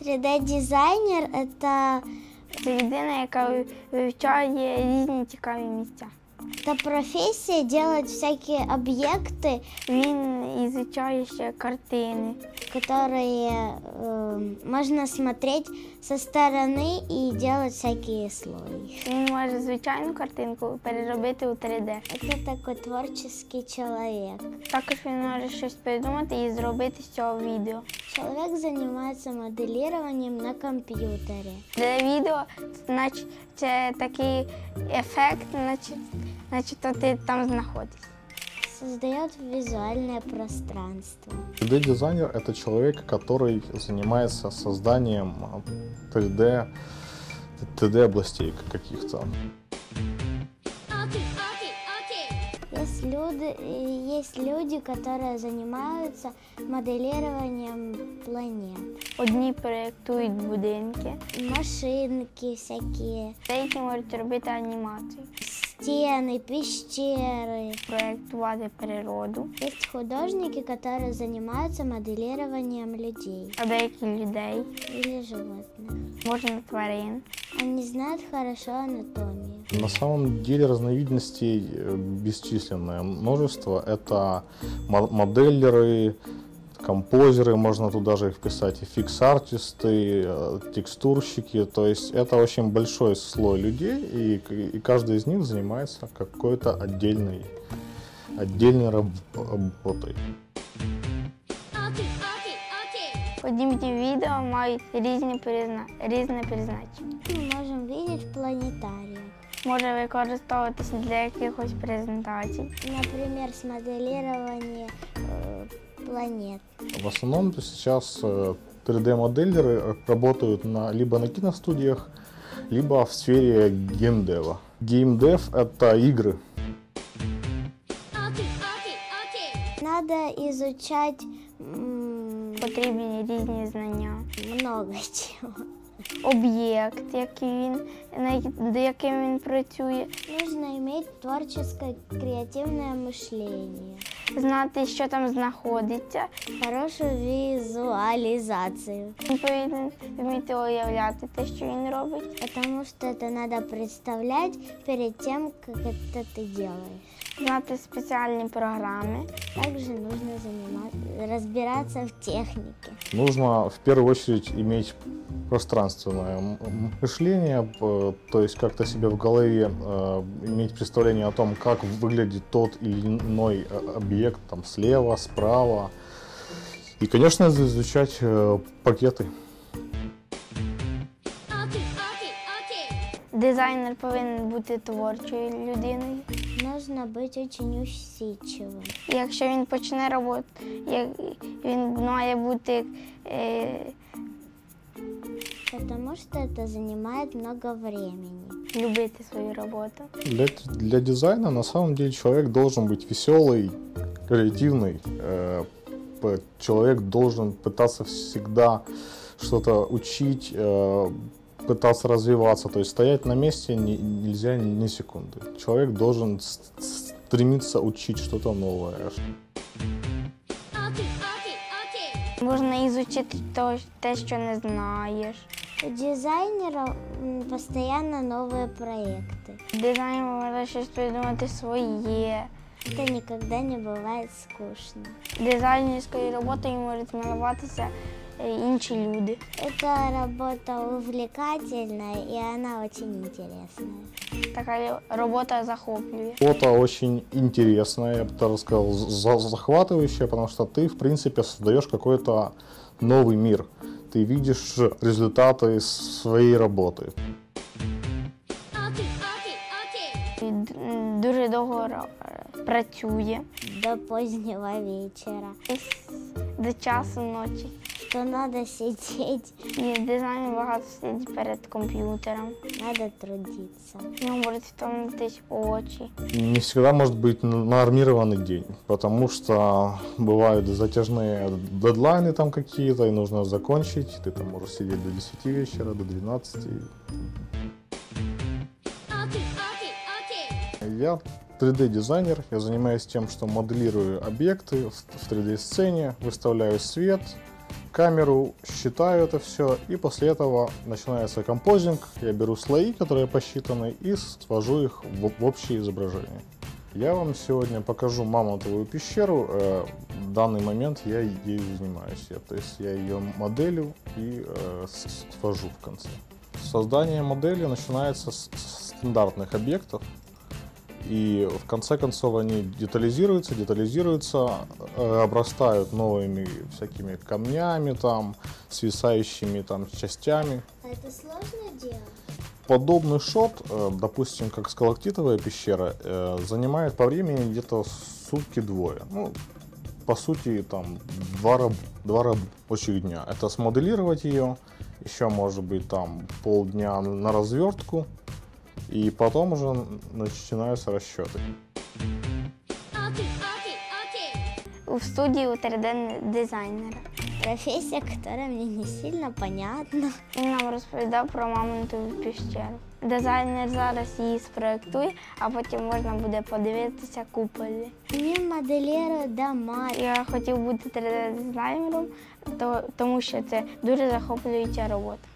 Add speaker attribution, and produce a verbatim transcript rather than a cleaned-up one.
Speaker 1: три дэ-дизайнер – это…
Speaker 2: Це людина, яка вивчає різні цікаві місця.
Speaker 1: Это профессия делать всякие объекты.
Speaker 2: Він изучає ще картини,
Speaker 1: которые э, можно смотреть со стороны и делать всякие слои.
Speaker 2: Він може звичайну картинку переробити у три дэ.
Speaker 1: Это такой творческий человек.
Speaker 2: Також він може щось придумати і зробити з цього відео.
Speaker 1: Человек занимается моделированием на компьютере.
Speaker 2: Для відео, значить, це такий ефект, наче, наче то ти там знаходишся.
Speaker 1: Создает визуальное пространство.
Speaker 3: три дэ-дизайнер – это человек, который занимается созданием три дэ, три дэ-областей каких-то.
Speaker 1: Есть люди, есть люди, которые занимаются моделированием планет.
Speaker 2: Одні проєктують будинки,
Speaker 1: Машинки всякие,
Speaker 2: деякі можуть робити анімацію,
Speaker 1: стены, пещеры.
Speaker 2: проєктувати природу,
Speaker 1: Есть художники, которые занимаются моделированием людей
Speaker 2: а деякі людей,
Speaker 1: или животных.
Speaker 2: можна тварин.
Speaker 1: Они знают хорошо анатомию.
Speaker 3: На самом деле разновидностей бесчисленное множество. Это моделлеры, композеры, можно туда же их вписать, и фикс-артисты, текстурщики. То есть это очень большой слой людей, и, и каждый из них занимается какой-то отдельной, отдельной работой.
Speaker 2: Подібні відео мають різні призна... різне призначення.
Speaker 1: Мы можем видеть в планетариях.
Speaker 2: Може використовуватися для якихось презентацій.
Speaker 1: Например, смоделирование э, планет.
Speaker 3: В основном сейчас три дэ-модельеры работают на, либо на киностудиях, либо в сфере геймдева. Геймдев – это игры.
Speaker 1: Надо изучать м,
Speaker 2: Потрібні різні знання.
Speaker 1: много чего.
Speaker 2: Об'єкт, який він, над яким він працює,
Speaker 1: Нужно иметь творческое, креативное мышление,
Speaker 2: знати, що там знаходиться.
Speaker 1: хорошую визуализацию,
Speaker 2: Він повинен вміти уявляти те, що він робить,
Speaker 1: потому что это надо представлять перед тем, как это ты делаешь.
Speaker 2: знати спеціальні програми.
Speaker 1: Также нужно заниматься, разбираться в технике.
Speaker 3: Нужно в первую очередь иметь пространственное мышление, то есть как-то себе в голове э, иметь представление о том, как выглядит тот или иной объект там слева, справа. И, конечно, изучать э, пакеты.
Speaker 2: Дизайнер повинен бути творчою людиною.
Speaker 1: Нужно быть очень усидчивым.
Speaker 2: Якщо він почне роботу, як він має бути е,
Speaker 1: Потому что это занимает много времени.
Speaker 2: любити свою роботу.
Speaker 3: Для, для дизайна на самом деле человек должен быть веселый, креативный. Э, п- человек должен пытаться всегда что-то учить, э, пытаться развиваться. То есть стоять на месте не- нельзя ни секунды. Человек должен с- стремиться учить что-то новое.
Speaker 2: Можна ізучити то- те, що не знаєш.
Speaker 1: У дизайнера м, постоянно новые проекты.
Speaker 2: Дизайнер може щось придумати своє.
Speaker 1: Это никогда не бывает скучно.
Speaker 2: Дизайнерською роботою можуть малюватися е, інші люди.
Speaker 1: Эта работа увлекательная, и она очень интересная.
Speaker 2: Така робота захоплює.
Speaker 3: Фото очень интересное, я бы даже сказал, за- захватывающее, потому что ты, в принципе, создаешь какой-то новый мир. Ты видишь результаты своей работы.
Speaker 2: І д- Дуже довго ро- працює.
Speaker 1: До позднего вечера.
Speaker 2: Десь до часу ночі.
Speaker 1: Что надо сидеть,
Speaker 2: І дизайнер багато сидить перед комп'ютером.
Speaker 1: надо трудиться.
Speaker 2: Ну, можуть втомитись очі.
Speaker 3: Не всегда может быть нормированный день, потому что бывают затяжные дедлайны там какие-то, и нужно закончить. Ты там можешь сидеть до десяти вечера, до двенадцати. Я три дэ-дизайнер, я занимаюсь тем, что моделирую объекты в три дэ-сцене, выставляю свет, камеру, считаю это все, и после этого начинается композинг. Я беру слои, которые посчитаны, и свожу их в, в общее изображение. Я вам сегодня покажу мамонтовую пещеру. В данный момент я ею занимаюсь. Я, то есть я ее моделю и э, свожу в конце. Создание модели начинается с стандартных объектов. И в конце концов они детализируются, детализируются, э, обрастают новыми всякими камнями, там, свисающими там, частями.
Speaker 1: А это сложное дело?
Speaker 3: Подобный шот, э, допустим, как скалактитовая пещера, э, занимает по времени где-то сутки-двое. Ну, по сути, там, два, раб, два рабочих дня. Это смоделировать ее, еще может быть там полдня на развертку. И потом уже начинаются расчеты.
Speaker 2: В студії у три дэ-дизайнера.
Speaker 1: Профессия, которая мне не сильно понятна.
Speaker 2: Він нам розповідав про мамонтову пещеру. Дизайнер зараз її спроєктує, а потім можна буде подивитися куполі.
Speaker 1: Він моделює дома.
Speaker 2: Я хотів бути три дэ-дизайнером, то, тому що це дуже захоплююча робота.